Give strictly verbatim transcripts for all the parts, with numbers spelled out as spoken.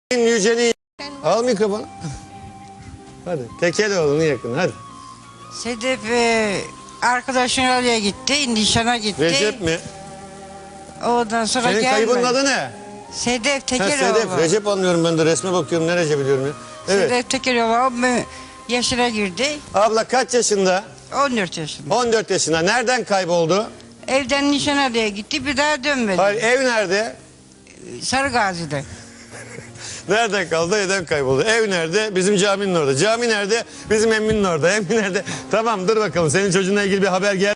Yüce'nin al mikrofonu. Hadi Tekeloğlu'nun yakın hadi. Sedef e, arkadaşın oraya gitti, nişana gitti. Recep mi? Ondan sonra Senin gelmedi. kaybının adı ne? Sedef Ha, Tekeloğlu. Sedef. Recep anlıyorum ben de resme bakıyorum ne Recep biliyorum ya. Evet. Sedef Tekeloğlu e, yaşına girdi. Abla kaç yaşında? on dört yaşında. on dört yaşında. Nereden kayboldu? Evden nişana diye gitti, bir daha dönmedi. Hayır, ev nerede? Sarıgazi'de. Nereden kaldı? Evden kayboldu. Ev nerede? Bizim caminin orada. Cami nerede? Bizim emminin orada. Emmi nerede? Tamam dur bakalım. Senin çocuğunla ilgili bir haber geldi.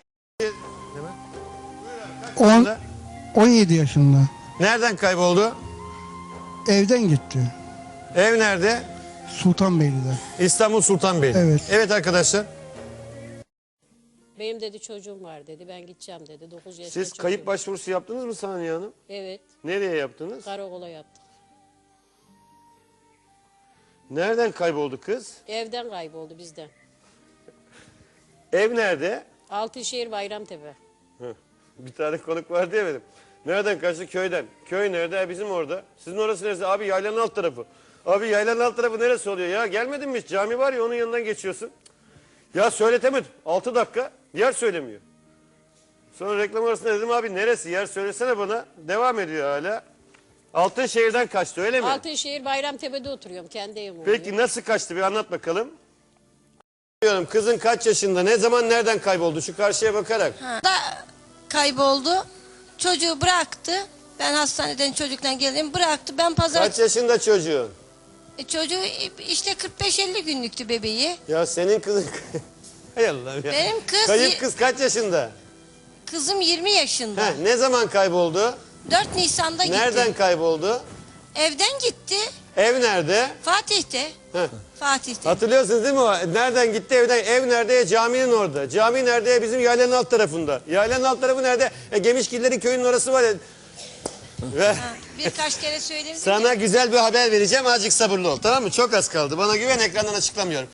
on, on yedi yaşında. Nereden kayboldu? Evden gitti. Ev nerede? Sultanbeyli'de. İstanbul Sultanbeyli. Evet. Evet arkadaşlar. Benim dedi çocuğum var dedi. Ben gideceğim dedi. dokuz yaşında Siz çocuğum. kayıp başvurusu yaptınız mı Saniye Hanım? Evet. Nereye yaptınız? Karakola yaptık. Nereden kayboldu kız? Evden kayboldu bizden. Ev nerede? Altınşehir Bayramtepe. Heh, bir tane konuk var diye benim. Nereden kaçtı? Köyden. Köy nerede? E, bizim orada. Sizin orası neresi? Abi yaylanın alt tarafı. Abi yaylanın alt tarafı neresi oluyor? Ya gelmedin mi hiç? Cami var ya onun yanından geçiyorsun. Ya söyletemedim. Altı dakika yer söylemiyor. Sonra reklam arasında dedim abi neresi? Yer söylesene bana. Devam ediyor hala. Altınşehir'den kaçtı öyle mi? Altınşehir Bayramtepe'de oturuyorum. Kendi evim oluyor. Peki nasıl kaçtı bir anlat bakalım. Diyorum kızın kaç yaşında? Ne zaman nereden kayboldu? Şu karşıya bakarak. Da kayboldu. Çocuğu bıraktı. Ben hastaneden çocuktan geldim. Bıraktı. Ben pazar Kaç yaşında çocuğun? E, çocuğu işte kırk beş elli günlüktü bebeği. Ya senin kızın... Hay Allah'ım ya. Benim kız- Kayıp kız kaç yaşında? Kızım yirmi yaşında. Heh, ne zaman kayboldu? dört Nisan'da gitti. Nereden kayboldu? Evden gitti. Ev nerede? Fatih'te. Heh. Fatih'te. Hatırlıyorsunuz değil mi o? Nereden gitti evden? Ev nerede? Caminin orada. Cami nerede? Bizim yaylanın alt tarafında. Yaylanın alt tarafı nerede? E, Gemişgillerin köyünün orası var ya. Ve Ha, birkaç kere söyledim. sana güzel bir haber vereceğim. Azıcık sabırlı ol tamam mı? Çok az kaldı. Bana güven ekrandan açıklamıyorum.